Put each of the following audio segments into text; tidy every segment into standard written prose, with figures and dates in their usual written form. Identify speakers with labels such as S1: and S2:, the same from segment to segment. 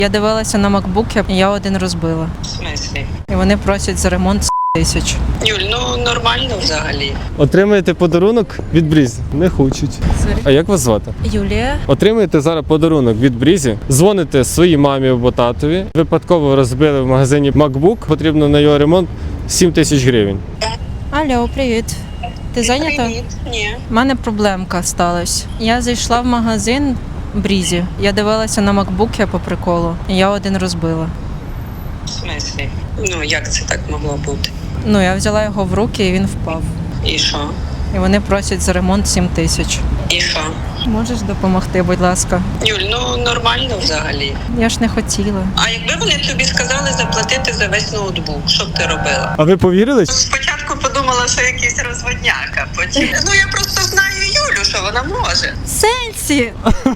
S1: Я дивилася на макбуки, я один розбила.
S2: В смислі?
S1: І вони просять за ремонт 1000.
S2: Юль, ну нормально взагалі.
S3: Отримаєте подарунок від Брізі? Не хочуть. А як вас звати?
S1: Юлія,
S3: Отримаєте зараз подарунок від Брізі, дзвоните своїй мамі або татові, випадково розбили в магазині MacBook, потрібно на його ремонт 7000 гривень.
S1: алло, привіт. Ти зайнята?
S2: Привіт. Ні.
S1: У мене проблемка сталася. Я зайшла в магазин Брізі. Я дивилася на макбуки по приколу. І я один розбила.
S2: В смислі? Ну як це так могло бути?
S1: Ну, я взяла його в руки і він впав.
S2: І що?
S1: І вони просять за ремонт 7000.
S2: І що?
S1: Можеш допомогти, будь ласка?
S2: Юль, ну нормально взагалі.
S1: Я ж не хотіла.
S2: А якби вони тобі сказали заплатити за весь ноутбук, що б ти робила?
S3: А ви повірили?
S2: Спочатку подумала, що якийсь розводняк, а потім. Ну я просто знаю Юлю, що вона може.
S1: Сенсі!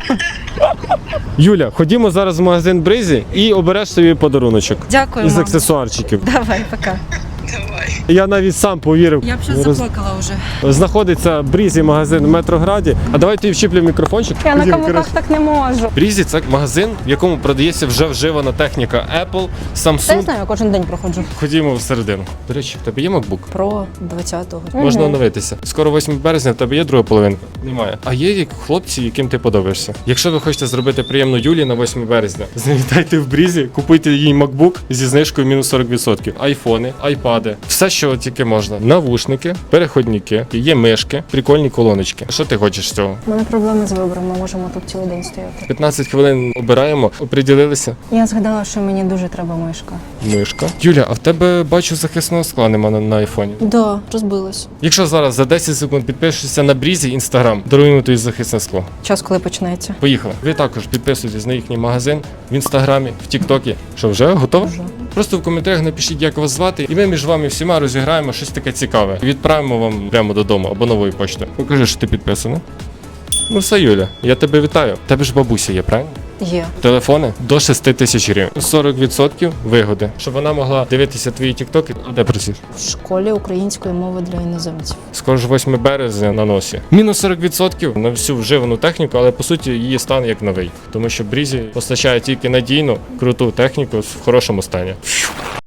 S3: Юля, ходімо зараз в магазин Брізі і обереш собі подаруночок
S1: Дякую,
S3: із
S1: мам.
S3: аксесуарчиків.
S1: Давай, пока.
S2: Давай.
S3: Я навіть сам повірив.
S1: Я б щось заплакала вже.
S3: Знаходиться Брізі магазин в Метрограді. А давайте вчіплю мікрофончик.
S1: Я на
S3: Ходімо,
S1: каблуках
S3: коротше.
S1: так не можу.
S3: Брізі це магазин, в якому продається вже вживана техніка Apple,
S1: Та я
S3: Samsung.
S1: знаю, я кожен день проходжу.
S3: Ходімо всередину. До речі, в тебе є MacBook?
S1: Про 20-го.
S3: Можна оновитися. Скоро 8 березня, в тебе є друга половинка? Немає. А є хлопці, яким ти подобаєшся. Якщо ви хочете зробити приємно Юлі на 8 березня, завітайте в Брізі, купуйте їй MacBook зі знижкою мінус 40%. Айфони, айпади, все, що тільки можна. Навушники, переходники, є мишки, прикольні колоночки. Що ти хочеш з цього?
S1: У мене проблеми з вибором, ми можемо тут цілий день стояти.
S3: 15 хвилин обираємо, оприділилися.
S1: Я згадала, що мені дуже треба мишка.
S3: Мишка. Юля, а в тебе бачу захисного скла нема на айфоні.
S1: Да, розбилась.
S3: Якщо зараз за 10 секунд підпишешся на Брізі Інстаграм, даруємо тобі захисне скло.
S1: Час, коли почнеться.
S3: Поїхали. Ви також підписуйтесь на їхній магазин в інстаграмі, в Тіктокі. Що, вже готово?
S1: Вже.
S3: Просто в коментарях напишіть, як вас звати, і ми між вами всіма розіграємо щось таке цікаве. Відправимо вам прямо додому або новою поштою. Покажи, що ти підписана. Ну все, Юля, я тебе вітаю. В тебе ж бабуся є, правильно?
S1: Є.
S3: Телефони до 6000 гривень. 40% вигоди, щоб вона могла дивитися твої тіктоки. А де працюєш?
S1: В школі української мови для іноземців.
S3: Скоро ж 8 березня на носі. Мінус 40% на всю вживану техніку, але по суті її стан як новий. Тому що Брізі постачає тільки надійну, круту техніку в хорошому стані.